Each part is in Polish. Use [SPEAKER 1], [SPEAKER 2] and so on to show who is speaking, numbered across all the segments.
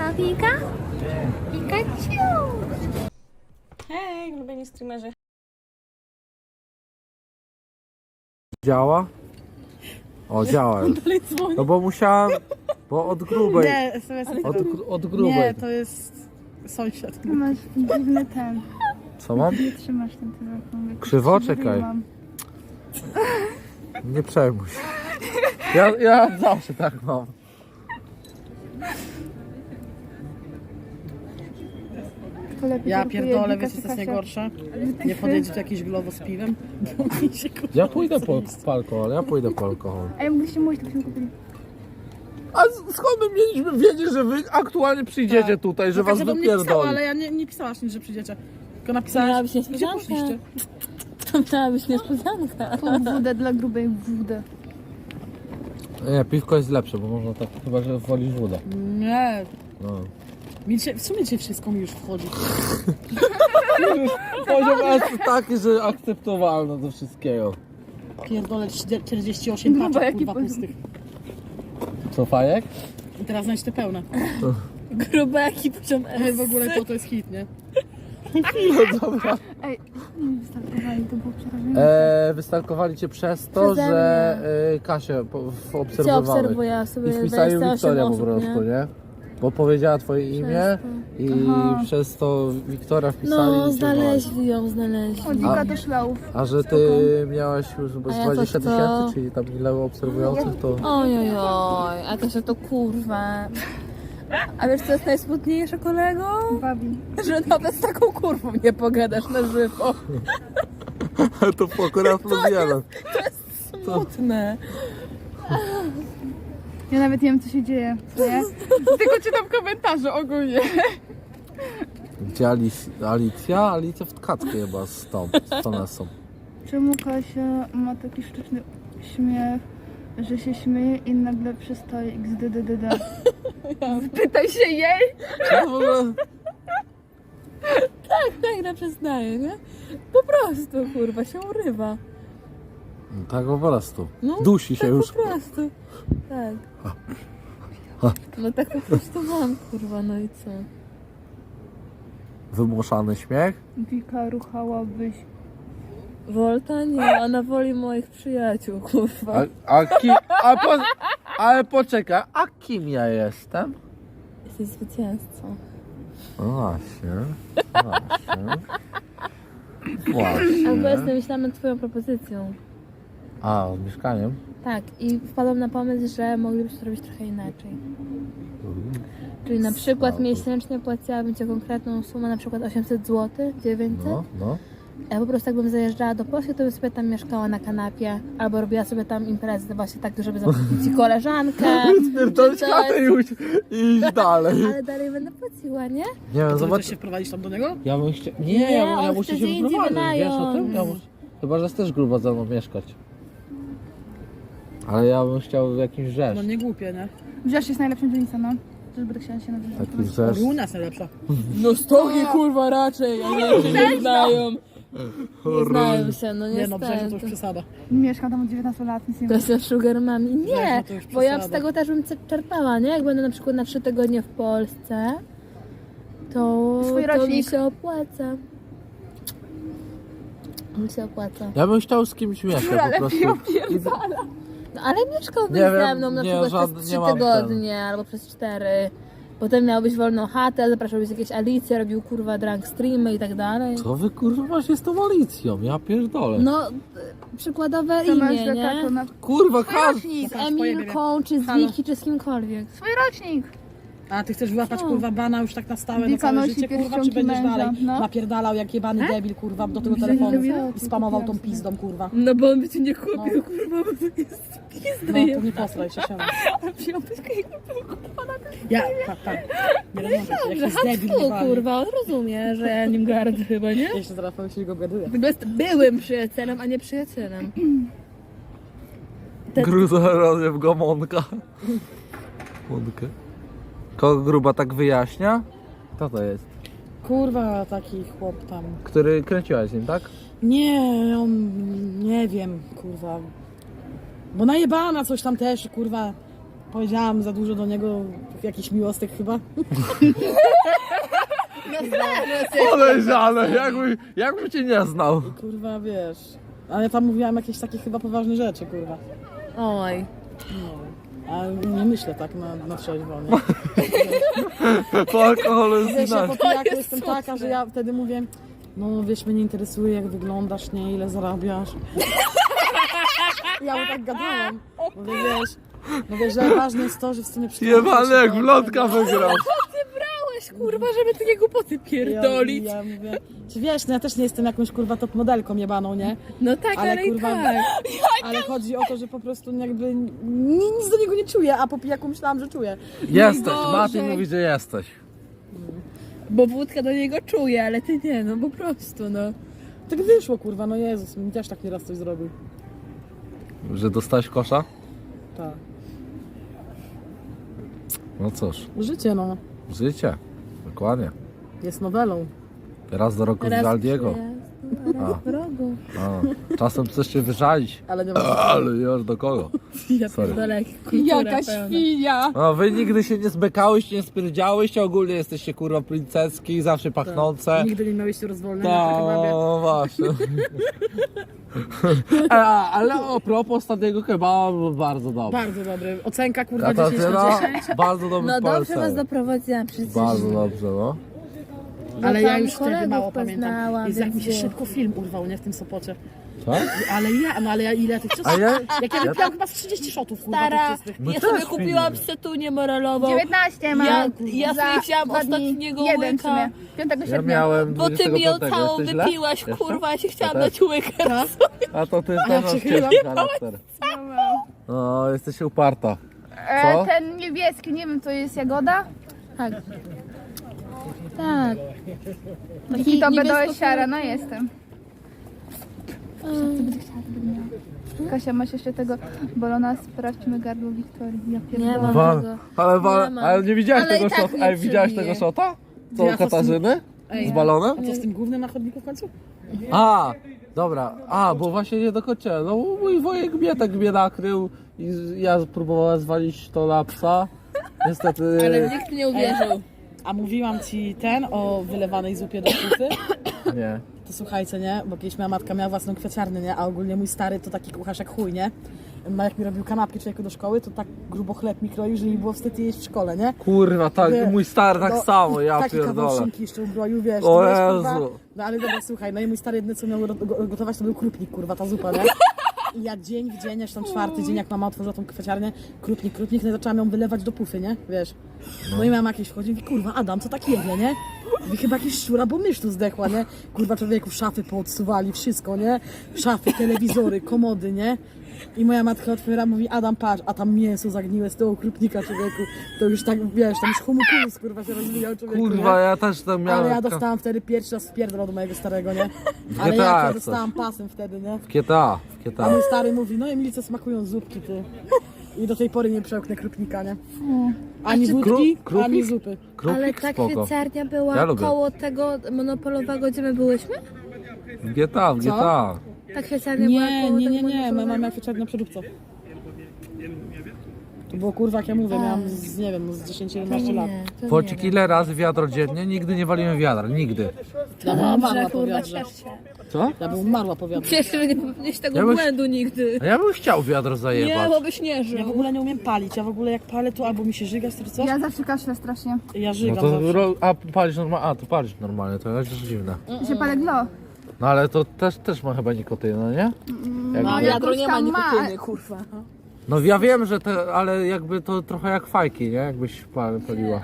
[SPEAKER 1] Pika? Pikachu!
[SPEAKER 2] Hej, ulubieni streamerzy.
[SPEAKER 3] Działa? O, działa już. No bo musiałam, bo od grubej.
[SPEAKER 4] Nie, SMS
[SPEAKER 3] Od grubej.
[SPEAKER 4] Nie, to jest sąsiad.
[SPEAKER 1] Masz dziwny ten.
[SPEAKER 3] Co mam?
[SPEAKER 1] Nie trzymasz ten telefon.
[SPEAKER 3] Krzywo? Czekaj. Nie przejmuj się. Ja zawsze tak mam.
[SPEAKER 4] Ja pierdolę, wiecie co jest najgorsze? Nie podejdzie tu jakiś glowo z piwem, bo mi się
[SPEAKER 3] Ja pójdę po alkohol,
[SPEAKER 1] Ej, mogliście mówić, to byśmy kupili.
[SPEAKER 3] A skąd my mieliśmy wiedzieć, że wy aktualnie przyjdziecie tutaj, że was
[SPEAKER 4] do mnie pisała,
[SPEAKER 3] wypierdoli?
[SPEAKER 4] ale ja nie pisałaś nic, że przyjdziecie. Tylko napisałaś,
[SPEAKER 2] Miała być
[SPEAKER 4] gdzie
[SPEAKER 2] niespodzianka.
[SPEAKER 4] poszliście.
[SPEAKER 2] To miała być niespodzianka.
[SPEAKER 1] Pół wódę dla grubej wódę.
[SPEAKER 3] Nie, piwko jest lepsze, bo można tak, chyba że wolisz wodę.
[SPEAKER 4] Nie,
[SPEAKER 3] No.
[SPEAKER 4] w sumie dzisiaj wszystko mi już wchodzi.
[SPEAKER 3] Poziom jest taki, że akceptowalne do wszystkiego.
[SPEAKER 4] Pierdolę 48 paczek kurwa pustych.
[SPEAKER 3] Co, fajek?
[SPEAKER 4] I teraz znajdź te pełne.
[SPEAKER 2] Gruby jaki poziom
[SPEAKER 4] Ale
[SPEAKER 2] S.
[SPEAKER 4] w ogóle to jest hit, nie?
[SPEAKER 3] No dobra.
[SPEAKER 1] Ej, nie wystartowali, to było przerażenie.
[SPEAKER 3] Wystalkowali cię przez to,
[SPEAKER 2] Przeze
[SPEAKER 3] że Kasię
[SPEAKER 2] Cię
[SPEAKER 3] obserwowali.
[SPEAKER 2] obserwuję, ja sobie
[SPEAKER 3] I wpisali
[SPEAKER 2] 28
[SPEAKER 3] Wiktoria po
[SPEAKER 2] osób,
[SPEAKER 3] prostu, nie? Bo powiedziała twoje imię i
[SPEAKER 1] Aha.
[SPEAKER 3] przez to Wiktoria wpisali
[SPEAKER 2] No,
[SPEAKER 3] i cię wołali.
[SPEAKER 2] znaleźli ją, znaleźli.
[SPEAKER 1] Od Wika do szlauf.
[SPEAKER 3] A że ty miałaś już z
[SPEAKER 2] A ja
[SPEAKER 3] 20
[SPEAKER 2] to co?
[SPEAKER 3] tysięcy, czyli tam ile obserwujących, to...
[SPEAKER 2] Ojojoj, a to się to kurwa. A wiesz co jest najsmutniejsze, kolego?
[SPEAKER 1] Bawi.
[SPEAKER 2] Że nawet z taką kurwą nie pogadasz na żywo.
[SPEAKER 3] to akurat lubiłem.
[SPEAKER 2] Smutne.
[SPEAKER 1] Ja nawet nie wiem, co się dzieje. Nie? Tylko czytam komentarze ogólnie.
[SPEAKER 3] Gdzie Alicja? Alicja w tkackę chyba z tą są.
[SPEAKER 1] Czemu Kasia ma taki sztuczny śmiech, że się śmieje i nagle przestaje xddddd? Pytaj się jej!
[SPEAKER 3] Co w ogóle?
[SPEAKER 2] Tak na przyznaję, nie? Po prostu, kurwa, się urywa.
[SPEAKER 3] Tak po prostu.
[SPEAKER 2] No,
[SPEAKER 3] Dusi się
[SPEAKER 2] tak
[SPEAKER 3] już.
[SPEAKER 2] po prostu. Tak. No tak po prostu mam, kurwa, no i co?
[SPEAKER 3] Wymuszany śmiech?
[SPEAKER 1] Wika, ruchałabyś.
[SPEAKER 2] Volta? Nie, ona woli moich przyjaciół, kurwa.
[SPEAKER 3] Ale poczekaj, a kim ja jestem?
[SPEAKER 2] Jesteś zwycięzcą.
[SPEAKER 3] No właśnie. Właśnie.
[SPEAKER 2] Albo jestem myślałam nad twoją propozycją.
[SPEAKER 3] A, z mieszkaniem?
[SPEAKER 2] Tak, i wpadłam na pomysł, że moglibyśmy to robić trochę inaczej. Czyli na przykład
[SPEAKER 3] Słabo.
[SPEAKER 2] miesięcznie płaciłabym cię konkretną sumę, na przykład 800 zł, 900.
[SPEAKER 3] No.
[SPEAKER 2] Ja po prostu jakbym zajeżdżała do Polski, to bym sobie tam mieszkała na kanapie, albo robiła sobie tam imprezy właśnie tak, żeby zaprosić ci koleżankę.
[SPEAKER 3] Spierdolić
[SPEAKER 2] czy coś.
[SPEAKER 3] chatę i iść dalej.
[SPEAKER 2] Ale dalej będę płaciła, nie?
[SPEAKER 3] Nie wiem,
[SPEAKER 4] Co,
[SPEAKER 3] zobacz.
[SPEAKER 4] chcesz się wprowadzić tam do niego?
[SPEAKER 3] Ja bym chciał...
[SPEAKER 2] Nie,
[SPEAKER 3] ja
[SPEAKER 2] on
[SPEAKER 3] muszę
[SPEAKER 2] chce
[SPEAKER 3] się
[SPEAKER 2] gdzie indziej
[SPEAKER 3] wyprowadzić, wiesz o tym?
[SPEAKER 2] wynająć.
[SPEAKER 3] Chyba, że chcesz grubo ze mną mieszkać. Ale ja bym chciał w jakimś rzesz.
[SPEAKER 4] No nie głupie, nie?
[SPEAKER 1] Wziąłeś jest najlepszym dzielnicą, no. Też będę chciała się nazywać.
[SPEAKER 3] Taki rzesz.
[SPEAKER 4] I u nas najlepsza.
[SPEAKER 2] No stogi kurwa raczej, ale się nie znają. Nie znają się, no
[SPEAKER 4] Nie no, Brzezio to już
[SPEAKER 2] niestety.
[SPEAKER 4] przesada.
[SPEAKER 1] Mieszkam tam od 19 lat, nic nie
[SPEAKER 2] To
[SPEAKER 1] wiem.
[SPEAKER 2] jest na sugar mami. Nie,
[SPEAKER 4] Brzezio to już
[SPEAKER 2] bo ja z
[SPEAKER 4] przesada.
[SPEAKER 2] tego też bym czerpała, nie? Jak będę na przykład na 3 tygodnie w Polsce, to
[SPEAKER 1] Swój
[SPEAKER 2] mi
[SPEAKER 1] rocznik.
[SPEAKER 2] się opłaca. Mi się opłaca.
[SPEAKER 3] Ja bym chciał z kimś mieszkać po prostu.
[SPEAKER 2] No ale mieszkałbyś
[SPEAKER 3] Nie
[SPEAKER 2] ze
[SPEAKER 3] wiem,
[SPEAKER 2] mną na
[SPEAKER 3] nie,
[SPEAKER 2] przykład
[SPEAKER 3] żadny-
[SPEAKER 2] przez
[SPEAKER 3] nie
[SPEAKER 2] 3
[SPEAKER 3] mam
[SPEAKER 2] tygodnie albo przez 4. Potem miałbyś wolną chatę, zapraszałbyś jakieś Alicje, robił kurwa drunk streamy i tak dalej.
[SPEAKER 3] Co wy kurwa się z tą Alicją? Ja pierdolę.
[SPEAKER 2] No, przykładowe
[SPEAKER 1] To masz
[SPEAKER 2] imię, nie?
[SPEAKER 1] taką na
[SPEAKER 3] Kurwa,
[SPEAKER 1] swój
[SPEAKER 3] każdy.
[SPEAKER 1] rocznik!
[SPEAKER 2] Z Emilką, czy z
[SPEAKER 4] Halo.
[SPEAKER 2] Wiki, czy z kimkolwiek.
[SPEAKER 1] Swój rocznik!
[SPEAKER 4] A ty chcesz wyłapać
[SPEAKER 2] Co?
[SPEAKER 4] kurwa bana już tak na stałe na
[SPEAKER 1] Wika
[SPEAKER 4] całe
[SPEAKER 1] nosi
[SPEAKER 4] życie, kurwa, czy
[SPEAKER 1] pierścionki
[SPEAKER 4] będziesz
[SPEAKER 1] męża,
[SPEAKER 4] dalej
[SPEAKER 1] no.
[SPEAKER 4] napierdalał jak jebany debil, kurwa, do tego
[SPEAKER 1] Widzę,
[SPEAKER 4] telefonu
[SPEAKER 1] że
[SPEAKER 4] i spamował tą pizdą, kurwa.
[SPEAKER 2] No bo on by cię nie kupił, kurwa, bo to jest pizda.
[SPEAKER 4] No to nie postraj się, siema. Ja, tak. Nie rozumiem, jak jest debil,
[SPEAKER 2] Hasku,
[SPEAKER 4] jebany.
[SPEAKER 2] kurwa, on rozumie, że ja nim gardzę chyba, nie?
[SPEAKER 4] Jeszcze zaraz powiem się go gaduję.
[SPEAKER 2] Tylko jest byłym przyjacielem, a nie przyjacielem.
[SPEAKER 3] Gruza rozjew go Monka. Monkę. Kogo gruba tak wyjaśnia? Kto to jest?
[SPEAKER 4] Kurwa, taki chłop tam.
[SPEAKER 3] Który kręciłaś z nim, tak?
[SPEAKER 4] Nie, on, nie wiem, kurwa. Bo najebana coś tam też, kurwa. Powiedziałam za dużo do niego, jakiś miłostek chyba.
[SPEAKER 3] Podejrzane, jakby cię nie znał.
[SPEAKER 4] Kurwa, wiesz. Ale tam mówiłam jakieś takie chyba poważne rzeczy, kurwa.
[SPEAKER 2] Oj.
[SPEAKER 4] No. A nie myślę tak na trzeźwo, nie?
[SPEAKER 3] Po alkoholu jest
[SPEAKER 4] Wiesz, ja
[SPEAKER 3] inaczej.
[SPEAKER 4] po pijaku jestem taka, że ja wtedy mówię, no wiesz, mnie nie interesuje jak wyglądasz, nie, ile zarabiasz. Ja mu tak gadałam. Mówię, że ważne jest to, że w sumie
[SPEAKER 3] Jebany jak w lotka wygrał.
[SPEAKER 2] Weź, kurwa, żeby takie głupoty pierdolić.
[SPEAKER 4] Ja mówię, czy wiesz, no ja też nie jestem jakąś kurwa top modelką jebaną, nie?
[SPEAKER 2] No tak, ale
[SPEAKER 4] kurwa,
[SPEAKER 2] i tak.
[SPEAKER 4] ale chodzi o to, że po prostu jakby nic do niego nie czuję, a po pijaku myślałam, że czuję.
[SPEAKER 3] Jesteś,
[SPEAKER 2] Boże.
[SPEAKER 3] Mati mówi, że jesteś.
[SPEAKER 2] Bo wódka do niego czuje, ale ty nie, no po prostu, no.
[SPEAKER 4] Tak wyszło, kurwa, no Jezus, mi też tak nieraz coś zrobił.
[SPEAKER 3] Że dostałeś kosza?
[SPEAKER 4] Tak.
[SPEAKER 3] No cóż,
[SPEAKER 4] Życie, no,
[SPEAKER 3] życie. Dokładnie.
[SPEAKER 4] jest nowelą.
[SPEAKER 3] Raz do roku z Aldiego.
[SPEAKER 2] Raz w rogu.
[SPEAKER 3] A, czasem chcesz się wyżalić.
[SPEAKER 4] Ale nie ma.
[SPEAKER 3] Ale już do kogo?
[SPEAKER 2] Ja
[SPEAKER 3] Sorry.
[SPEAKER 2] pierdolę, jaka świnia.
[SPEAKER 3] No, wy nigdy się nie zbekałyście, nie spierdziałyście, ogólnie jesteście kurwa princeski, zawsze pachnące.
[SPEAKER 4] Nigdy nie miałyście rozwolenia
[SPEAKER 3] Tak,
[SPEAKER 4] na kebabie.
[SPEAKER 3] no właśnie. Ale a propos ostatniego kebaba, był bardzo dobry.
[SPEAKER 4] Bardzo dobry. Ocenka, kurwa, 10 na
[SPEAKER 3] Katarzyna,
[SPEAKER 4] 10.
[SPEAKER 3] bardzo dobry
[SPEAKER 2] No dobrze
[SPEAKER 3] polecenie.
[SPEAKER 2] was doprowadziłam przecież.
[SPEAKER 3] Bardzo dobrze, no.
[SPEAKER 4] Ale
[SPEAKER 2] Bo
[SPEAKER 4] ja
[SPEAKER 2] tam
[SPEAKER 4] już wtedy
[SPEAKER 2] kolegów
[SPEAKER 4] mało pamiętam.
[SPEAKER 2] poznałam,
[SPEAKER 4] Jest jak mi się
[SPEAKER 2] więc
[SPEAKER 4] szybko film urwał, nie? W tym Sopocie.
[SPEAKER 3] Tak?
[SPEAKER 4] Ale ja ile tych
[SPEAKER 3] A
[SPEAKER 4] ciosów?
[SPEAKER 3] ja?
[SPEAKER 4] Jak ja wypiłam chyba z 30 shotów, kurwa,
[SPEAKER 2] Stara,
[SPEAKER 4] tych czystych.
[SPEAKER 3] My
[SPEAKER 2] ja
[SPEAKER 3] też
[SPEAKER 2] sobie
[SPEAKER 3] piliśmy.
[SPEAKER 2] kupiłam setunię moralową.
[SPEAKER 1] 19 mam.
[SPEAKER 2] Ja
[SPEAKER 1] za
[SPEAKER 2] sobie wzięłam
[SPEAKER 1] 2 dni.
[SPEAKER 2] ostatniego
[SPEAKER 1] Jeden w
[SPEAKER 2] łyka.
[SPEAKER 1] sumie. 5
[SPEAKER 3] Ja
[SPEAKER 1] sierpnia.
[SPEAKER 3] miałem
[SPEAKER 2] Bo ty mi ją
[SPEAKER 3] 25,
[SPEAKER 2] całą
[SPEAKER 3] jesteś źle?
[SPEAKER 2] wypiłaś,
[SPEAKER 3] Jeszcze?
[SPEAKER 2] kurwa, ja się chciałam
[SPEAKER 3] Ja też.
[SPEAKER 2] dać łykę.
[SPEAKER 3] A to ty też masz
[SPEAKER 4] przychylam.
[SPEAKER 3] ciężki charakter. No, jesteś uparta. Co?
[SPEAKER 1] Ten niebieski, nie wiem, to jest jagoda?
[SPEAKER 2] Tak. Tak.
[SPEAKER 1] I to
[SPEAKER 2] niebiesko-
[SPEAKER 1] bedoesiara, no jestem. Kasia, masz jeszcze tego bolona, sprawdźmy gardło Wiktorii. Ja
[SPEAKER 2] Nie
[SPEAKER 1] pierdolę.
[SPEAKER 2] mam
[SPEAKER 3] Wa-
[SPEAKER 2] tego.
[SPEAKER 3] ale,
[SPEAKER 2] Nie ma.
[SPEAKER 3] ale nie widziałeś
[SPEAKER 2] Ale
[SPEAKER 3] tego
[SPEAKER 2] i tak
[SPEAKER 3] szota?
[SPEAKER 2] nie
[SPEAKER 3] Ej, widziałeś
[SPEAKER 2] przebiję.
[SPEAKER 3] tego szota? Co,
[SPEAKER 4] Ja to z tym-
[SPEAKER 3] Katarzyny?
[SPEAKER 4] Ej,
[SPEAKER 3] Z balonem?
[SPEAKER 4] A co z tym głównym na chodniku w końcu?
[SPEAKER 3] A, dobra. A, bo właśnie nie dokończyłem. No mój wujek mnie nakrył i ja próbowałem zwalić to na psa. Niestety...
[SPEAKER 2] Ale nikt nie uwierzył.
[SPEAKER 4] A mówiłam ci o wylewanej zupie do kupy?
[SPEAKER 3] Nie.
[SPEAKER 4] To słuchajcie, nie? Bo kiedyś moja matka miała własną kwiaciarnię, nie? A ogólnie mój stary to taki kucharz jak chuj, nie? Jak mi robił kanapki człowieku do szkoły, to tak grubo chleb mi kroił, że mi było wstyd jeść w szkole, nie?
[SPEAKER 3] Kurwa, tak,
[SPEAKER 4] Nie.
[SPEAKER 3] mój stary tak
[SPEAKER 4] No,
[SPEAKER 3] samo, ja
[SPEAKER 4] taki kawał
[SPEAKER 3] pierdolę.
[SPEAKER 4] szynki jeszcze ubroił, wiesz.
[SPEAKER 3] O
[SPEAKER 4] to wiesz, kurwa.
[SPEAKER 3] Jezu.
[SPEAKER 4] No ale dobra, słuchaj, no i mój stary jedyne co miał gotować to był krupnik, kurwa, ta zupa, nie? I ja dzień w dzień, aż tam 4. dzień, jak mama otworzyła tą kwiaciarnię, krupnik, no i zaczęłam ją wylewać do pufy, nie? Wiesz. No i mama jakieś wchodzi i mówi, kurwa, Adam, co tak jedzie, nie? Mówi, chyba jakieś szczura, bo mysz tu zdechła, nie? Kurwa, człowieku, szafy poodsuwali, wszystko, nie? Szafy, telewizory, komody, nie? I moja matka otwiera, mówi, Adam, patrz, a tam mięso zagniłe z tego krupnika, człowieku. To już tak, wiesz, tam już homunculus, kurwa, się rozwijał, człowieku,
[SPEAKER 3] Kurwa,
[SPEAKER 4] nie?
[SPEAKER 3] ja też tam miałem...
[SPEAKER 4] Ale ja dostałam wtedy pierwszy raz wpierdol od mojego starego, nie? Ale
[SPEAKER 3] GTA
[SPEAKER 4] jak ja
[SPEAKER 3] coś.
[SPEAKER 4] dostałam pasem wtedy, nie?
[SPEAKER 3] W GTA, w
[SPEAKER 4] A
[SPEAKER 3] GTA.
[SPEAKER 4] mój stary mówi, no Emilce smakują zupki, ty. I do tej pory nie przełknę krupnika, nie? Ani wódki,
[SPEAKER 3] krupnik?
[SPEAKER 4] ani zupy.
[SPEAKER 2] Ale
[SPEAKER 3] Krupnik
[SPEAKER 2] ta
[SPEAKER 3] spoko.
[SPEAKER 2] kwieciarnia była
[SPEAKER 3] Ja lubię.
[SPEAKER 2] koło tego monopolowego, gdzie my byłyśmy?
[SPEAKER 3] W GTA, w GTA.
[SPEAKER 2] Ta kwieciarnia była
[SPEAKER 4] Nie,
[SPEAKER 2] koło
[SPEAKER 4] nie,
[SPEAKER 2] tego
[SPEAKER 4] nie, nie, my
[SPEAKER 2] monopolowego?
[SPEAKER 4] mamy kwieciarnię na przeróbce. To było kurwa, jak ja mówię, miałam z, nie wiem, z 10-11 lat.
[SPEAKER 2] Nie, to
[SPEAKER 3] Pocik ile razy wiadro dziennie? Nigdy nie waliłem wiadra, nigdy.
[SPEAKER 4] Ja bym umarła po
[SPEAKER 2] kurwa,
[SPEAKER 4] wiadrze.
[SPEAKER 2] ciesz się.
[SPEAKER 3] Co?
[SPEAKER 4] Ja bym umarła po wiadrze.
[SPEAKER 2] Cieszę się, że nie popełniłeś tego
[SPEAKER 3] Ja byś-
[SPEAKER 2] błędu nigdy.
[SPEAKER 3] A ja bym chciał wiadro
[SPEAKER 2] Nie,
[SPEAKER 3] zajebać.
[SPEAKER 2] bo byś nie żył.
[SPEAKER 4] Ja w ogóle nie umiem palić, ja w ogóle jak palę to albo mi się żyga, czy coś?
[SPEAKER 1] Ja zawsze kaszlę strasznie.
[SPEAKER 4] Ja
[SPEAKER 3] No
[SPEAKER 4] żygam
[SPEAKER 3] to,
[SPEAKER 4] zawsze.
[SPEAKER 3] a palisz normalnie, a to palisz normalnie, to jest dziwne.
[SPEAKER 1] I się palę glo.
[SPEAKER 3] No ale to też ma chyba nikotynę, nie?
[SPEAKER 2] No,
[SPEAKER 3] Jakby,
[SPEAKER 2] wiadro
[SPEAKER 1] jakoś
[SPEAKER 2] nie ma
[SPEAKER 1] tam ma.
[SPEAKER 2] nikotyny, kurwa.
[SPEAKER 3] no ja wiem, że te, ale jakby to trochę jak fajki, nie? Jakbyś paliła.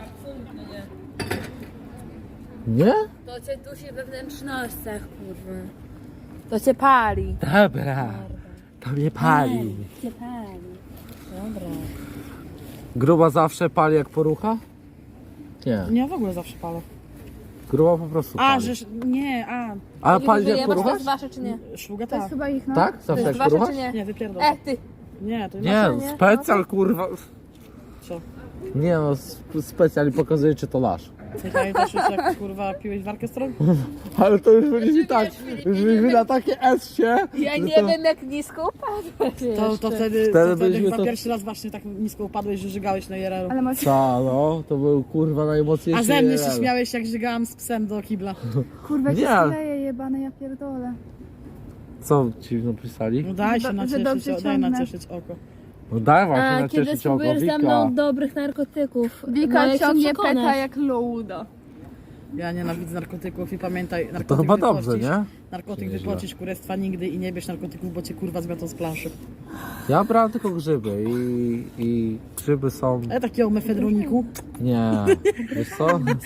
[SPEAKER 3] Nie?
[SPEAKER 2] To cię dusi we wnętrznościach, kurwa. To cię pali.
[SPEAKER 3] Dobra, to mnie pali.
[SPEAKER 2] Cię pali. Dobra.
[SPEAKER 3] Gruba zawsze pali jak porucha? Nie,
[SPEAKER 4] Nie, w ogóle zawsze palę.
[SPEAKER 3] gruba po prostu
[SPEAKER 4] A,
[SPEAKER 3] pali.
[SPEAKER 4] że... Nie, a...
[SPEAKER 3] A pali jak
[SPEAKER 2] to
[SPEAKER 3] poruchasz?
[SPEAKER 2] jest wasze czy nie?
[SPEAKER 4] Szluga
[SPEAKER 1] To jest
[SPEAKER 4] tak.
[SPEAKER 1] chyba ich, no.
[SPEAKER 3] Tak?
[SPEAKER 2] To
[SPEAKER 3] Zawsze
[SPEAKER 2] jest
[SPEAKER 3] jak
[SPEAKER 2] wasze
[SPEAKER 3] poruchasz?
[SPEAKER 2] czy nie?
[SPEAKER 4] Nie, wypierdol.
[SPEAKER 2] Ty.
[SPEAKER 4] Nie, to
[SPEAKER 3] Nie,
[SPEAKER 4] nie.
[SPEAKER 3] specjal kurwa.
[SPEAKER 4] Co?
[SPEAKER 3] Nie no, specjalnie pokazuję, czy to lasz.
[SPEAKER 4] Nie pamiętasz już jak kurwa piłeś warkę stron?
[SPEAKER 3] Ale to już będzie tak, już byliśmy na takie S-cie.
[SPEAKER 2] Ja
[SPEAKER 3] że
[SPEAKER 2] nie
[SPEAKER 3] to...
[SPEAKER 2] wiem jak nisko upadłeś
[SPEAKER 4] To wtedy
[SPEAKER 3] Wtedy byliśmy
[SPEAKER 4] chyba
[SPEAKER 3] to-
[SPEAKER 4] pierwszy raz właśnie tak nisko upadłeś, że żygałeś na IRL-u.
[SPEAKER 1] Ale masz...
[SPEAKER 3] Co, no, to był kurwa najmocniejszy
[SPEAKER 4] A ze mnie się
[SPEAKER 3] IRL.
[SPEAKER 4] śmiałeś jak żygałam z psem do kibla.
[SPEAKER 1] Kurwa,
[SPEAKER 3] Nie,
[SPEAKER 1] się
[SPEAKER 3] ale-
[SPEAKER 1] skleje jebane, ja pierdolę.
[SPEAKER 3] Co ci napisali?
[SPEAKER 4] No daj się
[SPEAKER 1] Że
[SPEAKER 4] nacieszyć,
[SPEAKER 1] dobrze
[SPEAKER 4] daj
[SPEAKER 1] ciągnę.
[SPEAKER 4] nacieszyć oko.
[SPEAKER 3] No daj właśnie
[SPEAKER 2] A
[SPEAKER 3] na
[SPEAKER 2] kiedy
[SPEAKER 3] cieszyć oko,
[SPEAKER 2] spróbujesz ze
[SPEAKER 3] Wika.
[SPEAKER 2] mną dobrych narkotyków? no
[SPEAKER 1] Wika
[SPEAKER 2] jak się
[SPEAKER 1] ciągnie
[SPEAKER 2] przekonasz?
[SPEAKER 1] peta jak Louda.
[SPEAKER 4] Ja nienawidzę narkotyków i pamiętaj, narkotyk
[SPEAKER 3] To chyba dobrze,
[SPEAKER 4] wypocisz,
[SPEAKER 3] nie?
[SPEAKER 4] Narkotyk
[SPEAKER 3] Nieźle.
[SPEAKER 4] wypocisz kurestwa nigdy i nie bierz narkotyków, bo cię kurwa zmiotą z planszy.
[SPEAKER 3] Ja brałem tylko grzyby i grzyby są...
[SPEAKER 4] Ale takiego mefedroniku.
[SPEAKER 3] Nie, wiesz co?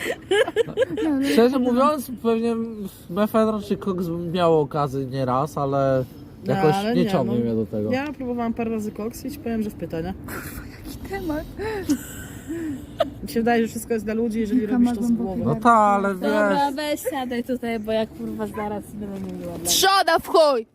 [SPEAKER 3] Szczerze mówiąc, pewnie mefedron czy koks miało okazję nie raz, ale jakoś
[SPEAKER 4] ale
[SPEAKER 3] nie
[SPEAKER 4] nie,
[SPEAKER 3] ciągnie
[SPEAKER 4] no.
[SPEAKER 3] mnie do tego.
[SPEAKER 4] Ja próbowałam parę razy koks i ci powiem, że w pytanie.
[SPEAKER 1] Temat.
[SPEAKER 4] Mi się wydaje, że wszystko jest dla ludzi, jeżeli
[SPEAKER 1] Wika
[SPEAKER 4] robisz
[SPEAKER 1] ma
[SPEAKER 4] to z
[SPEAKER 1] głęboki
[SPEAKER 4] głową.
[SPEAKER 3] No tak, ale
[SPEAKER 2] Dobra,
[SPEAKER 3] wiesz...
[SPEAKER 2] weź siadaj tutaj, bo jak kurwa zaraz będę mówiła. dla mnie.
[SPEAKER 1] Trzoda w chuj!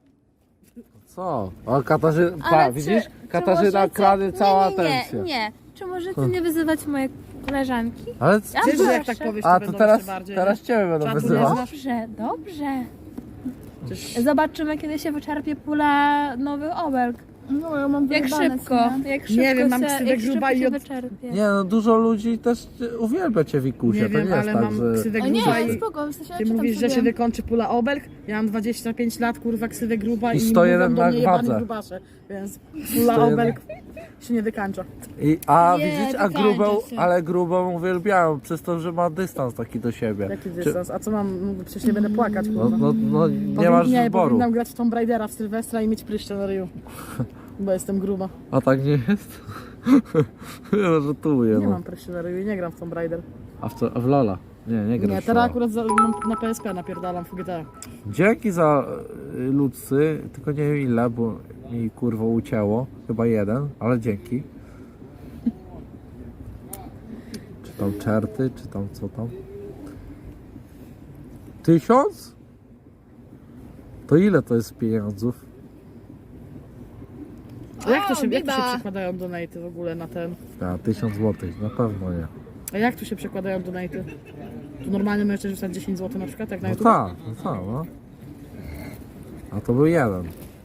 [SPEAKER 3] Co? O, Katarzyna,
[SPEAKER 2] Ale
[SPEAKER 3] pa, widzisz?
[SPEAKER 2] czy
[SPEAKER 3] Katarzyna
[SPEAKER 2] możecie-
[SPEAKER 3] krady cała
[SPEAKER 2] nie,
[SPEAKER 3] atencja.
[SPEAKER 2] nie. Czy możecie nie wyzywać mojej koleżanki?
[SPEAKER 3] Ale
[SPEAKER 2] Ja
[SPEAKER 4] Wiesz, że jak
[SPEAKER 2] proszę.
[SPEAKER 4] tak powiesz,
[SPEAKER 3] A,
[SPEAKER 4] to
[SPEAKER 3] to
[SPEAKER 4] będą
[SPEAKER 3] teraz,
[SPEAKER 4] jeszcze bardziej...
[SPEAKER 3] teraz ciebie będą
[SPEAKER 4] Czatu nie
[SPEAKER 3] wyzywać.
[SPEAKER 4] znasz?
[SPEAKER 2] Dobrze, dobrze.
[SPEAKER 4] Przecież
[SPEAKER 2] Zobaczymy, kiedy się wyczerpie pula nowych obelg.
[SPEAKER 1] No, ja mam
[SPEAKER 2] Jak
[SPEAKER 1] wyjebane,
[SPEAKER 2] szybko,
[SPEAKER 1] co nie?
[SPEAKER 2] jak szybko
[SPEAKER 4] wiem, mam
[SPEAKER 2] się,
[SPEAKER 4] ksywę
[SPEAKER 2] jak
[SPEAKER 4] gruba
[SPEAKER 2] szybko
[SPEAKER 4] i
[SPEAKER 2] się
[SPEAKER 4] od-
[SPEAKER 2] wyczerpie.
[SPEAKER 3] Nie no, dużo ludzi też uwielbia cię Wikusie,
[SPEAKER 4] nie
[SPEAKER 3] to
[SPEAKER 4] wiem,
[SPEAKER 3] nie jest
[SPEAKER 4] ale
[SPEAKER 3] tak,
[SPEAKER 4] mam
[SPEAKER 3] że...
[SPEAKER 4] ksywę
[SPEAKER 1] O nie,
[SPEAKER 4] gruba i...
[SPEAKER 1] spoko, w sensie
[SPEAKER 4] Ty
[SPEAKER 1] czytam
[SPEAKER 4] mówisz, że
[SPEAKER 1] sobie.
[SPEAKER 4] się wykończy pula obelg? Ja mam 25 lat, kurwa, ksywę gruba
[SPEAKER 3] I
[SPEAKER 4] i
[SPEAKER 3] 101
[SPEAKER 4] mówią do mnie
[SPEAKER 3] na
[SPEAKER 4] jebany
[SPEAKER 3] wadze.
[SPEAKER 4] grubasze, więc pula
[SPEAKER 3] 101.
[SPEAKER 4] obelg się nie wykańcza.
[SPEAKER 3] A
[SPEAKER 2] Nie,
[SPEAKER 3] widzisz,
[SPEAKER 2] wykańcza się.
[SPEAKER 3] ale grubą uwielbiają przez to, że ma dystans taki do siebie.
[SPEAKER 4] Jaki dystans? A co mam? No, przecież nie będę płakać,
[SPEAKER 3] No,
[SPEAKER 4] kurwa.
[SPEAKER 3] no nie masz wyboru.
[SPEAKER 4] Powinnam grać w Tomb Raidera w Sylwestra i mieć pryszcze na ryju. Bo jestem gruba.
[SPEAKER 3] A tak nie jest? Ja żartuję,
[SPEAKER 4] Nie
[SPEAKER 3] no.
[SPEAKER 4] mam pryszczy na ryju i nie gram w Tomb Raider.
[SPEAKER 3] A w Lola? Nie grasz
[SPEAKER 4] Nie,
[SPEAKER 3] w
[SPEAKER 4] teraz
[SPEAKER 3] Lola.
[SPEAKER 4] akurat na PSP napierdalam w GTA.
[SPEAKER 3] Dzięki za ludzcy, tylko nie wiem ile, bo mi kurwa ucięło. Chyba jeden, ale dzięki. Czy tam czerty, czy tam co tam? 1000? To ile to jest pieniądzów?
[SPEAKER 4] A jak to się
[SPEAKER 2] biba.
[SPEAKER 4] przekładają donaty w ogóle na ten?
[SPEAKER 3] Ja, 1000 złotych, na pewno nie.
[SPEAKER 4] A jak tu się przekładają donaty? Tu normalnie możesz rzucać 10 zł na przykład, jak na
[SPEAKER 3] No
[SPEAKER 4] YouTube?
[SPEAKER 3] tak, no. A to był jeden.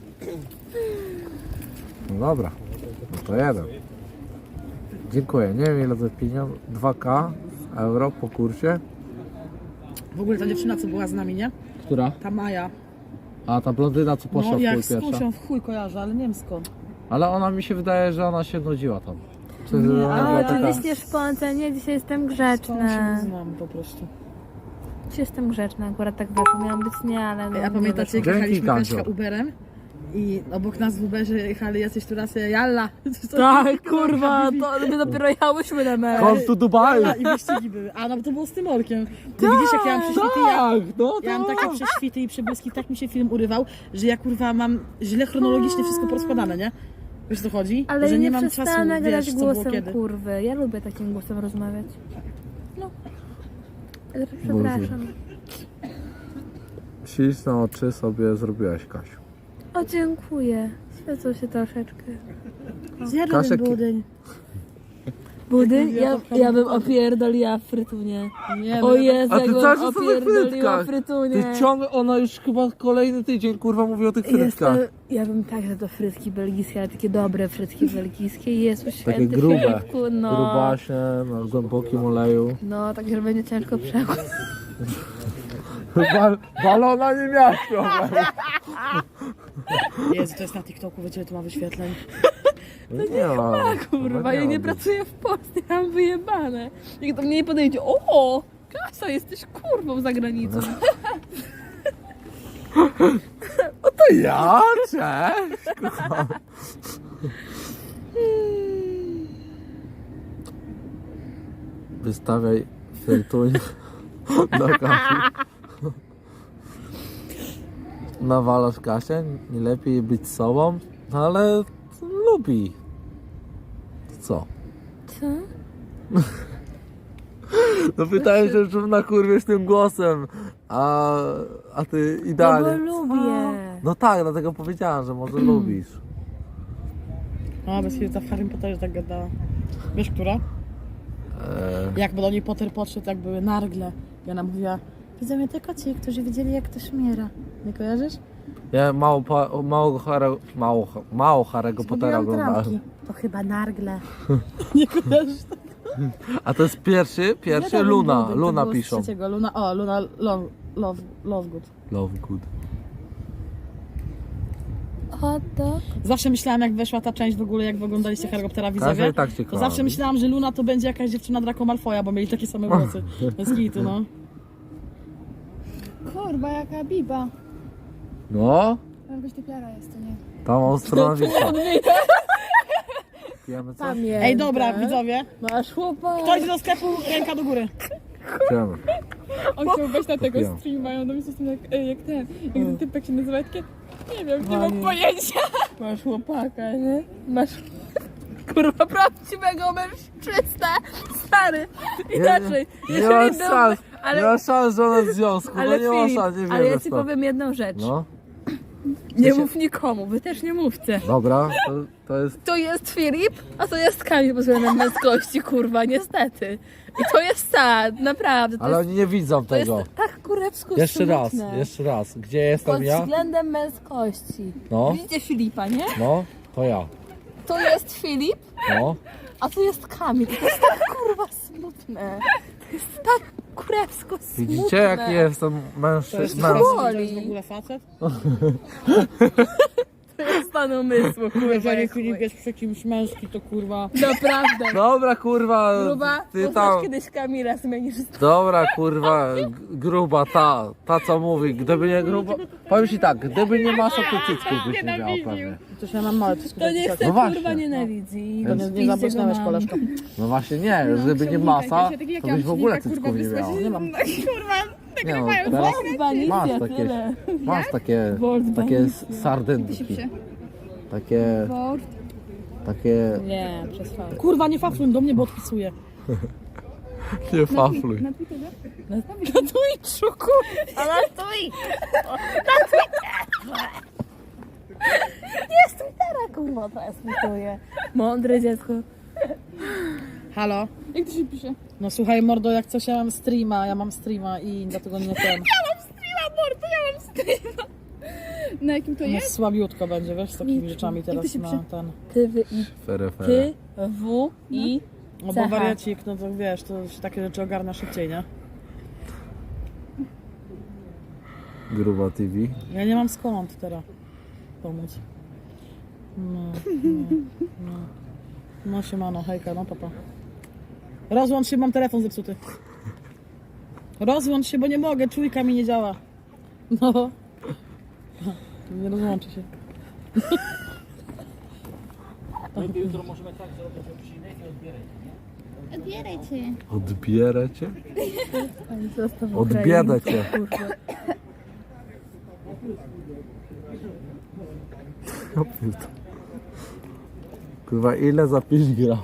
[SPEAKER 3] No dobra, no to jeden. Dziękuję, nie wiem ile to pieniądze, 2K euro po kursie.
[SPEAKER 4] W ogóle ta dziewczyna, co była z nami, nie?
[SPEAKER 3] Która?
[SPEAKER 4] Ta Maja.
[SPEAKER 3] A ta blondyna co poszła
[SPEAKER 4] No
[SPEAKER 3] w
[SPEAKER 4] jak
[SPEAKER 3] chuj
[SPEAKER 4] z
[SPEAKER 3] pierwsza.
[SPEAKER 4] kusią w chuj kojarzę, ale nie wiem skąd.
[SPEAKER 3] Ale ona mi się wydaje, że ona się nudziła tam. Czy
[SPEAKER 4] Nie,
[SPEAKER 3] ona
[SPEAKER 4] ale
[SPEAKER 3] była
[SPEAKER 2] O,
[SPEAKER 4] ja-
[SPEAKER 2] ty
[SPEAKER 3] taka...
[SPEAKER 2] liście szponce, nie, dzisiaj jestem
[SPEAKER 4] Skąd się
[SPEAKER 2] grzeczna.
[SPEAKER 4] znam po prostu.
[SPEAKER 2] Dzisiaj jestem grzeczna, akurat tak wyszło, miałam być nie, ale no,
[SPEAKER 4] A
[SPEAKER 2] nie
[SPEAKER 4] pamiętacie, jak
[SPEAKER 3] Dzięki,
[SPEAKER 4] jechaliśmy
[SPEAKER 3] Gancio.
[SPEAKER 4] Kaśka Uberem? I obok nas w Uberze jechali jacyś turasy, jalla.
[SPEAKER 2] Tak, kurwa, to my dopiero jechałyśmy na mecz.
[SPEAKER 3] Come to Dubai!
[SPEAKER 4] Jalla i wyścigi były. A no to było z tym orkiem. Ty widzisz, jak ja mam prześwity,
[SPEAKER 3] Tak, no
[SPEAKER 4] ja mam takie prześwity i przebłyski, tak mi się film urywał, że ja kurwa mam źle chronologicznie wszystko porozkładane, nie? Wiesz co chodzi?
[SPEAKER 2] Ale
[SPEAKER 4] że
[SPEAKER 2] ja
[SPEAKER 4] nie
[SPEAKER 2] nie
[SPEAKER 4] mam czasu,
[SPEAKER 2] przestanę
[SPEAKER 4] wiesz,
[SPEAKER 2] grać
[SPEAKER 4] co było
[SPEAKER 2] głosem
[SPEAKER 4] kiedy.
[SPEAKER 2] kurwy. Ja lubię takim głosem rozmawiać. No. Ale przepraszam.
[SPEAKER 3] Śliczne oczy sobie zrobiłaś, Kasiu.
[SPEAKER 2] O, dziękuję. Świecą się troszeczkę.
[SPEAKER 4] Zjadłem
[SPEAKER 3] Kasiek-
[SPEAKER 4] budyń.
[SPEAKER 2] Budyń? Ja bym opierdoliła frytunie.
[SPEAKER 4] Nie,
[SPEAKER 2] O Jezu,
[SPEAKER 3] A
[SPEAKER 2] jak
[SPEAKER 3] ty
[SPEAKER 2] bym
[SPEAKER 3] cały czas o tych
[SPEAKER 2] opierdoliła
[SPEAKER 3] frytkach.
[SPEAKER 2] frytunie.
[SPEAKER 3] Ty ciągle, ona już chyba kolejny tydzień kurwa mówi o tych frytkach.
[SPEAKER 2] Ja bym także do frytki belgijskie, ale takie dobre frytki belgijskie. Jezu święty
[SPEAKER 3] Takie grube,
[SPEAKER 2] Filipku, no.
[SPEAKER 3] grubasie, na głębokim oleju.
[SPEAKER 2] No, tak, że będzie ciężko przekład.
[SPEAKER 3] Balona nie miała problemu.
[SPEAKER 4] Jezu, to jest na TikToku, wiecie, tu ma wyświetleń.
[SPEAKER 3] No nie ma.
[SPEAKER 2] Kurwa, ja nie pracuję w Polsce, ja mam wyjebane. Nikt do mnie nie podejdzie, o, Kasia, jesteś kurwą za granicą.
[SPEAKER 3] To ja? Cześć! Kocham. Wystawiaj frytuń do Kasi. Nawalasz Kasię, nie lepiej być sobą, no ale lubi. Co?
[SPEAKER 2] Co?
[SPEAKER 3] No pytałem się, czym nakurwiesz tym głosem, a ty
[SPEAKER 2] No bo
[SPEAKER 3] idealnie.
[SPEAKER 2] lubię.
[SPEAKER 3] No tak, dlatego powiedziałam, że może lubisz.
[SPEAKER 4] O, bez chwili ta w Harry Potterze tak gadała. Wiesz, która? Jak do niej Potter podszedł, jak były nargle. I ona mówiła, widzą mnie tylko ci, którzy widzieli, jak to szmiera. Nie kojarzysz?
[SPEAKER 3] Ja mało Harry'ego Pottera
[SPEAKER 4] Zgubiłam
[SPEAKER 3] oglądałem.
[SPEAKER 4] trampki. To chyba nargle. Nie kojarzysz?
[SPEAKER 3] A to jest pierwszy Luna. Luna piszą.
[SPEAKER 4] Luna Lovegood.
[SPEAKER 3] Love good.
[SPEAKER 2] Hot dog.
[SPEAKER 4] Zawsze myślałam, jak weszła ta część w ogóle, jak oglądaliście Harry Pottera
[SPEAKER 3] Każdy
[SPEAKER 4] widzowie,
[SPEAKER 3] tak cię
[SPEAKER 4] to
[SPEAKER 3] kocha.
[SPEAKER 4] zawsze myślałam, że Luna to będzie jakaś dziewczyna Draco Malfoya, bo mieli takie same włosy. Bez kitu, no.
[SPEAKER 1] Kurwa, jaka biba.
[SPEAKER 3] No,
[SPEAKER 1] Jakaś typiara jest, to nie?
[SPEAKER 3] tam Australowicza. Pijemy coś?
[SPEAKER 2] Pamiętam.
[SPEAKER 4] Ej, dobra, widzowie.
[SPEAKER 2] Masz chłopak.
[SPEAKER 4] Ktoś do sklepu, ręka do góry.
[SPEAKER 3] Pijemy.
[SPEAKER 1] On chciał wejść na tego
[SPEAKER 3] Kupiłam.
[SPEAKER 1] streama i on do mnie coś jak ten, jak ten typek się nazywa, takie, nie wiem, nie
[SPEAKER 2] Panie.
[SPEAKER 1] mam pojęcia.
[SPEAKER 2] Masz chłopaka, nie? Masz kurwa prawdziwego mężczyznę, stary. Inaczej.
[SPEAKER 3] Nie ma szans,
[SPEAKER 2] ale-
[SPEAKER 3] nie ma szans, że ona w związku,
[SPEAKER 2] Ale
[SPEAKER 3] no nie ma
[SPEAKER 2] Filip,
[SPEAKER 3] szans, nie
[SPEAKER 2] ale ja
[SPEAKER 3] wiemy
[SPEAKER 2] ci
[SPEAKER 3] stąd.
[SPEAKER 2] powiem jedną rzecz.
[SPEAKER 3] No,
[SPEAKER 2] Nie mów nikomu, wy też nie mówcie.
[SPEAKER 3] dobra, to jest...
[SPEAKER 2] To jest Filip, a to jest Kamil pod względem męskości, kurwa, niestety. I to jest sad, naprawdę. To
[SPEAKER 3] Ale
[SPEAKER 2] jest,
[SPEAKER 3] oni nie widzą
[SPEAKER 2] to jest
[SPEAKER 3] tego.
[SPEAKER 2] tak kurewsko
[SPEAKER 3] Jeszcze raz,
[SPEAKER 2] smutne.
[SPEAKER 3] jeszcze raz. Gdzie
[SPEAKER 2] Pod
[SPEAKER 3] jestem ja?
[SPEAKER 2] względem męskości.
[SPEAKER 3] No.
[SPEAKER 2] Widzicie Filipa, nie?
[SPEAKER 3] No, to ja.
[SPEAKER 2] To jest Filip,
[SPEAKER 3] No.
[SPEAKER 2] a to jest Kamil. To jest tak kurwa smutne. To jest tak kurewsko smutne.
[SPEAKER 3] Widzicie, jak jestem
[SPEAKER 4] To jest
[SPEAKER 3] mężczyzną?
[SPEAKER 4] to jest w ogóle facet.
[SPEAKER 2] To jest stan umysłu, kurwa.
[SPEAKER 4] Jeżeli
[SPEAKER 2] jak
[SPEAKER 4] Filip
[SPEAKER 2] chuj.
[SPEAKER 4] jest przy kimś męski, to kurwa...
[SPEAKER 2] Naprawdę.
[SPEAKER 3] Dobra, kurwa,
[SPEAKER 2] Gruba,
[SPEAKER 3] ty
[SPEAKER 2] poznasz
[SPEAKER 3] tam...
[SPEAKER 2] kiedyś Kamila, zmienisz
[SPEAKER 3] Dobra, kurwa, gruba, ta co mówi, gdyby nie gruba... Powiem ci tak, gdyby nie masza, to cycków byś nie miała pewnie.
[SPEAKER 4] Coś ja mam małe cycki.
[SPEAKER 2] To nie
[SPEAKER 4] tak
[SPEAKER 2] chce,
[SPEAKER 3] No właśnie.
[SPEAKER 2] kurwa, nienawidzi.
[SPEAKER 4] To nie zabłysnąłeś, koleżko.
[SPEAKER 3] No właśnie nie, gdyby nie masa, to byś w ogóle cycków nie miała.
[SPEAKER 4] Nie mam.
[SPEAKER 3] Nie no, teraz
[SPEAKER 2] Kurwa, nic
[SPEAKER 3] masz
[SPEAKER 2] ja
[SPEAKER 3] takie,
[SPEAKER 2] tyle.
[SPEAKER 3] masz takie sardynki. Takie, takie...
[SPEAKER 2] Nie, przez fałd.
[SPEAKER 4] Kurwa, nie fafluj do mnie, bo odpisuję.
[SPEAKER 3] Nie fafluj.
[SPEAKER 2] Na Twitchu, kurwa, na Twitchu. Na Twitterze. Jest Twittera, kurwa, transmituję. Mądre dziecko.
[SPEAKER 4] Halo?
[SPEAKER 1] Jak to się pisze?
[SPEAKER 4] No słuchaj, mordo, jak coś ja mam streama i dlatego nie ten.
[SPEAKER 1] Na jakim to
[SPEAKER 4] No
[SPEAKER 1] jest?
[SPEAKER 4] słabiutko będzie, wiesz, z takimi rzeczami teraz
[SPEAKER 1] się
[SPEAKER 4] na
[SPEAKER 1] pisze?
[SPEAKER 4] ten.
[SPEAKER 2] Ty, wy, i,
[SPEAKER 3] Fere, fere.
[SPEAKER 2] ty, w, i,
[SPEAKER 4] No bo
[SPEAKER 2] Cecha.
[SPEAKER 4] wariacik, no to wiesz, to się takie rzeczy ogarnia szybciej, nie?
[SPEAKER 3] Gruba TV.
[SPEAKER 4] Ja nie mam skąd teraz pomóc. No siemano, hejka, no papa. Rozłącz się, mam telefon zepsuty. Rozłącz się, bo nie mogę, czujka mi nie działa. No. Nie rozłączy się.
[SPEAKER 1] Odbierajcie.
[SPEAKER 3] Odbierę cię?
[SPEAKER 2] zostaw
[SPEAKER 3] Odbiedę cię.
[SPEAKER 2] kurwa.
[SPEAKER 3] Ja pierdolę. Kurwa, ile za 5 gram?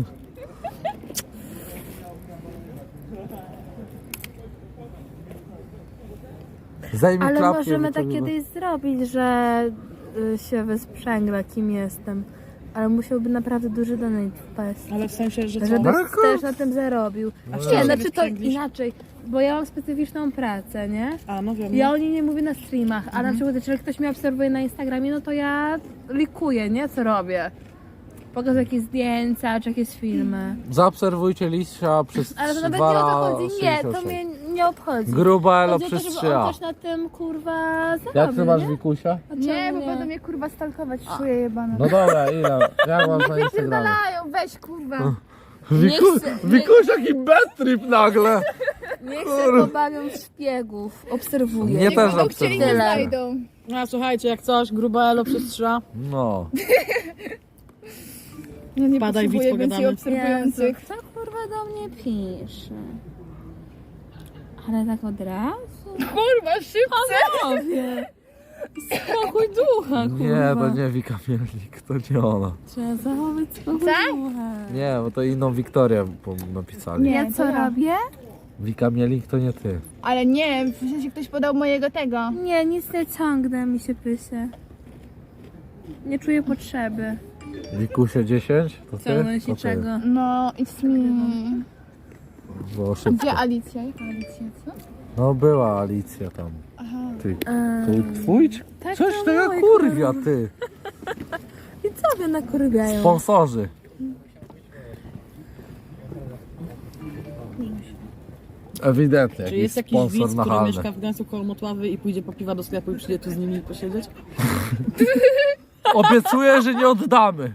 [SPEAKER 3] Zajmij
[SPEAKER 2] Ale
[SPEAKER 3] klapkę,
[SPEAKER 2] możemy
[SPEAKER 3] bo
[SPEAKER 2] tak
[SPEAKER 3] to
[SPEAKER 2] kiedyś zrobić, że się wysprzęgla, kim jestem. Ale musiałby naprawdę duży donate wpaść.
[SPEAKER 4] Ale w sensie, że co?
[SPEAKER 2] Żeby
[SPEAKER 3] Ale
[SPEAKER 2] też na tym zarobił.
[SPEAKER 4] w
[SPEAKER 2] Nie,
[SPEAKER 4] czym
[SPEAKER 2] znaczy to
[SPEAKER 4] wysprzęglisz?
[SPEAKER 2] inaczej. Bo ja mam specyficzną pracę, nie?
[SPEAKER 4] A, no wiem.
[SPEAKER 2] Ja o niej nie mówię na streamach, a na przykład jeżeli ktoś mnie obserwuje na Instagramie, no to ja likuję, nie? Co robię. Pokazuję jakieś zdjęcia, czy jakieś filmy.
[SPEAKER 3] Zaobserwujcie Lisia przez
[SPEAKER 2] Ale to
[SPEAKER 3] 2
[SPEAKER 2] nawet nie o to
[SPEAKER 3] lata
[SPEAKER 2] chodzi. Nie, to mnie nie obchodzi.
[SPEAKER 3] Gruba Elo
[SPEAKER 2] Chodzi o to,
[SPEAKER 3] przez
[SPEAKER 2] żeby
[SPEAKER 3] 3
[SPEAKER 2] on
[SPEAKER 3] a.
[SPEAKER 2] też na tym, kurwa, zarobił,
[SPEAKER 3] Jak ty masz
[SPEAKER 2] nie?
[SPEAKER 3] Wikusia?
[SPEAKER 2] A
[SPEAKER 1] Nie,
[SPEAKER 2] czemu
[SPEAKER 1] bo będą mnie kurwa stalkować,
[SPEAKER 2] A.
[SPEAKER 1] czuję jebana.
[SPEAKER 3] No dobra, ile? Jak masz na Instagramie?
[SPEAKER 1] Wypierdalają, weź kurwa.
[SPEAKER 3] Wikuś jaki bad trip nagle!
[SPEAKER 2] Niech się pobawią w szpiegów, obserwuję.
[SPEAKER 3] Nie też
[SPEAKER 1] Będą chcieli, nie
[SPEAKER 3] obserwuję.
[SPEAKER 1] znajdą.
[SPEAKER 4] A słuchajcie, jak coś, gruba elo przez 3 a.
[SPEAKER 3] No.
[SPEAKER 1] Ja nie
[SPEAKER 4] Padaj, widz,
[SPEAKER 1] potrzebuję więcej
[SPEAKER 4] pogadamy.
[SPEAKER 1] obserwujących.
[SPEAKER 2] Co kurwa do mnie pisze? Ale tak od razu?
[SPEAKER 1] Kurwa, szybko.
[SPEAKER 2] Panowie! Spokój ducha, kurwa.
[SPEAKER 3] Nie, to nie Wika Mielnik, to nie ona.
[SPEAKER 2] Trzeba zachować spokój
[SPEAKER 1] Tak?
[SPEAKER 2] ducha.
[SPEAKER 3] Nie, bo to inną Wiktorię napisali.
[SPEAKER 1] Nie.
[SPEAKER 2] Ja
[SPEAKER 1] to
[SPEAKER 2] co
[SPEAKER 1] ja.
[SPEAKER 2] robię?
[SPEAKER 3] Wika Mielnik to nie ty.
[SPEAKER 1] Ale nie, w sensie ktoś podał mojego tego.
[SPEAKER 2] Nie, nic nie ciągnę, mi się pysie. Nie czuję potrzeby
[SPEAKER 3] Wikusie 10? To ty?
[SPEAKER 2] ciągnąć
[SPEAKER 3] To ty.
[SPEAKER 2] niczego.
[SPEAKER 1] No, it's me.
[SPEAKER 3] Było szybko.
[SPEAKER 1] Gdzie Alicja? Jaka Alicja, co?
[SPEAKER 3] No była Alicja tam.
[SPEAKER 1] Aha.
[SPEAKER 3] Ty, to twój?
[SPEAKER 2] Tak,
[SPEAKER 3] Coś
[SPEAKER 2] to
[SPEAKER 3] tego
[SPEAKER 2] mój,
[SPEAKER 3] kurwia, ty.
[SPEAKER 2] I co wy nakurwiają?
[SPEAKER 3] Sponsorzy. Ewidentnie,
[SPEAKER 4] Czy
[SPEAKER 3] jakiś
[SPEAKER 4] jest jakiś
[SPEAKER 3] sponsor
[SPEAKER 4] widz, który
[SPEAKER 3] nachalny.
[SPEAKER 4] mieszka w Gdańsku koło Motławy i pójdzie po piwa do sklepu i przyjdzie tu z nimi posiedzieć?
[SPEAKER 3] Obiecuję, że nie oddamy.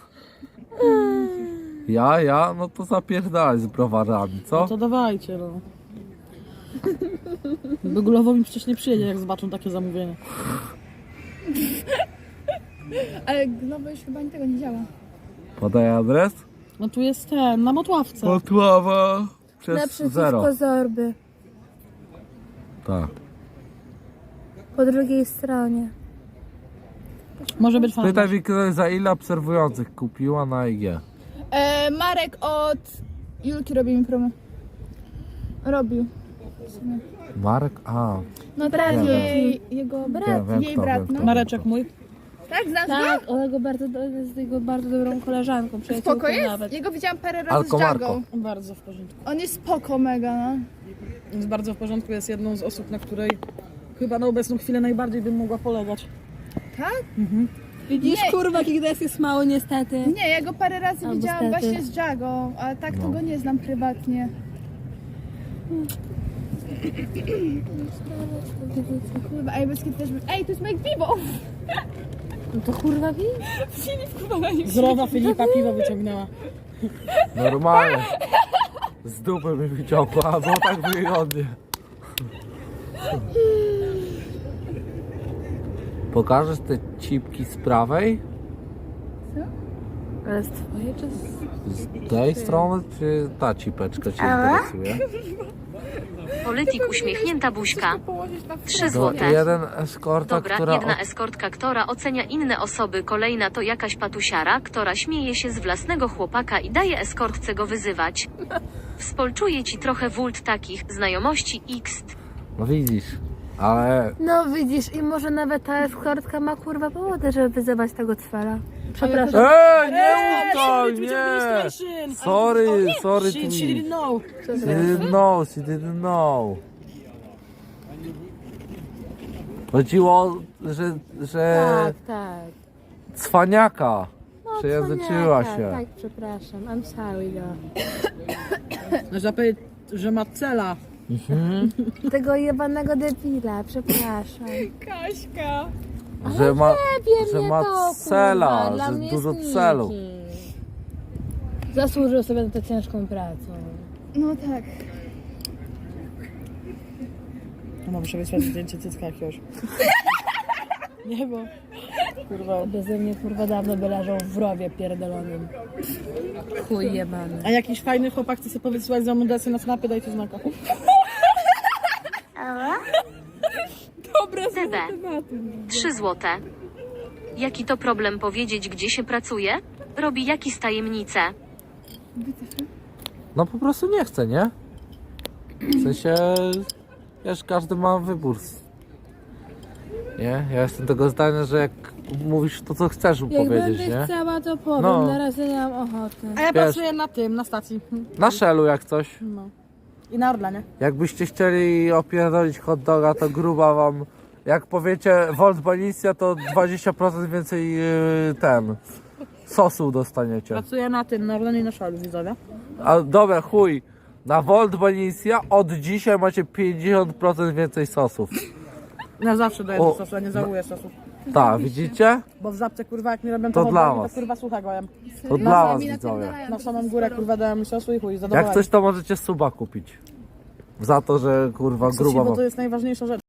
[SPEAKER 3] Ja? No to zapierdalaj z browarami,
[SPEAKER 4] No
[SPEAKER 3] co?
[SPEAKER 4] to dawajcie, no. Google'owo mi przecież nie przyjedzie, jak zobaczą takie zamówienie.
[SPEAKER 1] Ale Globo już chyba tego nie działa.
[SPEAKER 3] Podaj adres?
[SPEAKER 4] No tu jest ten, na Motławce.
[SPEAKER 3] Motława przez zero.
[SPEAKER 2] Naprzeciwko Zorby.
[SPEAKER 3] Tak.
[SPEAKER 2] Po drugiej stronie.
[SPEAKER 4] Może być fajnie.
[SPEAKER 3] Pytaj mi, za ile obserwujących kupiła na IG.
[SPEAKER 1] Marek od Julki robi mi promo. Robił. W sumie.
[SPEAKER 3] Marek? A,
[SPEAKER 1] No brat
[SPEAKER 3] Wiem.
[SPEAKER 1] jej, jego brat,
[SPEAKER 3] wiem
[SPEAKER 1] jej
[SPEAKER 3] kto,
[SPEAKER 1] brat,
[SPEAKER 3] wiem
[SPEAKER 1] no.
[SPEAKER 3] kto.
[SPEAKER 4] Mareczek mój.
[SPEAKER 1] Tak, znasz
[SPEAKER 2] Tak, ona go bardzo, jest jego bardzo dobrą koleżanką,
[SPEAKER 1] go?
[SPEAKER 2] przyjaciółką
[SPEAKER 1] Spoko jest?
[SPEAKER 2] nawet.
[SPEAKER 1] Jego widziałam parę razy
[SPEAKER 3] Alko
[SPEAKER 1] z
[SPEAKER 3] Marko.
[SPEAKER 1] Jagą.
[SPEAKER 4] Bardzo w porządku.
[SPEAKER 1] On jest spoko mega, no.
[SPEAKER 4] Jest bardzo w porządku, jest jedną z osób, na której chyba na obecną chwilę najbardziej bym mogła polegać.
[SPEAKER 1] Tak?
[SPEAKER 2] Widzisz,
[SPEAKER 1] Nie.
[SPEAKER 2] kurwa, jakich nas jest mało niestety.
[SPEAKER 1] Nie, ja go parę razy
[SPEAKER 2] Albo
[SPEAKER 1] widziałam
[SPEAKER 2] stety.
[SPEAKER 1] właśnie z Jagą, ale tak to
[SPEAKER 3] No.
[SPEAKER 1] go nie znam prywatnie. Kurwa, ej, bez kiedy też... Ej, to jest Mike Bibo!
[SPEAKER 2] No to kurwa wi?
[SPEAKER 1] Filip, kurwa, na nim.
[SPEAKER 4] Z rowa Filipa piwo wyciągnęła.
[SPEAKER 3] normalnie. Z dupy mi wyciągła, było tak wygodnie. Pokażesz te cipki z prawej?
[SPEAKER 2] Ale z twojej czy z...
[SPEAKER 3] Z tej strony, czy ta cipeczka cię interesuje?
[SPEAKER 5] Polityk uśmiechnięta buźka.
[SPEAKER 1] Położyć na
[SPEAKER 5] 3
[SPEAKER 3] To
[SPEAKER 5] złote.
[SPEAKER 3] jeden eskorta,
[SPEAKER 5] Dobra,
[SPEAKER 3] która...
[SPEAKER 5] jedna eskortka, która ocenia inne osoby, kolejna to jakaś patusiara, która śmieje się z własnego chłopaka i daje eskortce go wyzywać. Współczuję ci trochę wult takich, znajomości X.
[SPEAKER 3] No widzisz, ale...
[SPEAKER 2] No widzisz, i może nawet ta eskortka ma kurwa powody, żeby wyzywać tego cwela. Przepraszam.
[SPEAKER 3] Nie utaj, nie! Sorry,
[SPEAKER 4] She didn't know.
[SPEAKER 3] She didn't know, she didn't know. Chodziło, że
[SPEAKER 2] Tak.
[SPEAKER 3] cwaniaka
[SPEAKER 2] No,
[SPEAKER 3] przejęzyczyła
[SPEAKER 2] cwaniaka,
[SPEAKER 3] się.
[SPEAKER 2] Tak, przepraszam. I'm sorry, girl.
[SPEAKER 4] Można powiedzieć, że ma cela.
[SPEAKER 2] Tego jebanego debila, przepraszam.
[SPEAKER 1] Kaśka.
[SPEAKER 3] Że ma,
[SPEAKER 2] Wiem,
[SPEAKER 3] że
[SPEAKER 2] nie
[SPEAKER 3] ma
[SPEAKER 2] to,
[SPEAKER 3] cela,
[SPEAKER 2] kurwa, dla
[SPEAKER 3] że
[SPEAKER 2] mnie
[SPEAKER 3] dużo
[SPEAKER 2] jest
[SPEAKER 3] celu.
[SPEAKER 2] nikim. Zasłużył sobie na tę ciężką pracę.
[SPEAKER 1] No tak.
[SPEAKER 4] No muszę wysłać zdjęcie cycka jakiegoś. Nie, bo... Kurwa.
[SPEAKER 2] Beze mnie kurwa dawno by leżał w rowie pierdolonym. Chuj jebany.
[SPEAKER 4] A jakiś fajny chłopak chce sobie powysyłać za mundację na snapy, dajcie znaka.
[SPEAKER 5] TB. 3 złote. Jaki to problem powiedzieć, gdzie się pracuje? Robi jakiś tajemnicę.
[SPEAKER 3] No po prostu nie chce, nie? W sensie, wiesz, każdy ma wybór. Nie? Ja jestem tego zdania, że jak mówisz to, co chcesz mu
[SPEAKER 2] Jak
[SPEAKER 3] powiedzieć,
[SPEAKER 2] będę
[SPEAKER 3] nie?
[SPEAKER 2] chciała, to powiem.
[SPEAKER 3] No.
[SPEAKER 2] Na razie nie mam ochoty.
[SPEAKER 4] A ja
[SPEAKER 3] Wiesz.
[SPEAKER 4] pracuję na tym, na stacji.
[SPEAKER 3] Na Shellu jak coś.
[SPEAKER 4] No. I na Orlenie.
[SPEAKER 3] Jakbyście chcieli opierdolić hot doga, to gruba wam. Jak powiecie Volt Banicja, to 20% więcej sosu dostaniecie.
[SPEAKER 4] Pracuję na tym, na Orlenie i na Szalu, widzowie.
[SPEAKER 3] A dobra, chuj. Na Volt Banicja od dzisiaj macie 50% więcej sosów.
[SPEAKER 4] Ja zawsze daję
[SPEAKER 3] O,
[SPEAKER 4] do sosu, ja nie żałuję sosu.
[SPEAKER 3] Tak, widzicie?
[SPEAKER 4] Bo w Żabce, kurwa, jak mi robią
[SPEAKER 3] To
[SPEAKER 4] to
[SPEAKER 3] dla
[SPEAKER 4] hot dogi,
[SPEAKER 3] was.
[SPEAKER 4] to kurwa słuchaj gołem.
[SPEAKER 3] To dla was, widzowie.
[SPEAKER 4] Na samą górę, kurwa, dałem mi sosu i chuj, zadowolenie.
[SPEAKER 3] Jak coś, to możecie suba kupić. Za to, że kurwa gruba
[SPEAKER 4] Bo
[SPEAKER 3] wam.
[SPEAKER 4] to jest najważniejsza rzecz.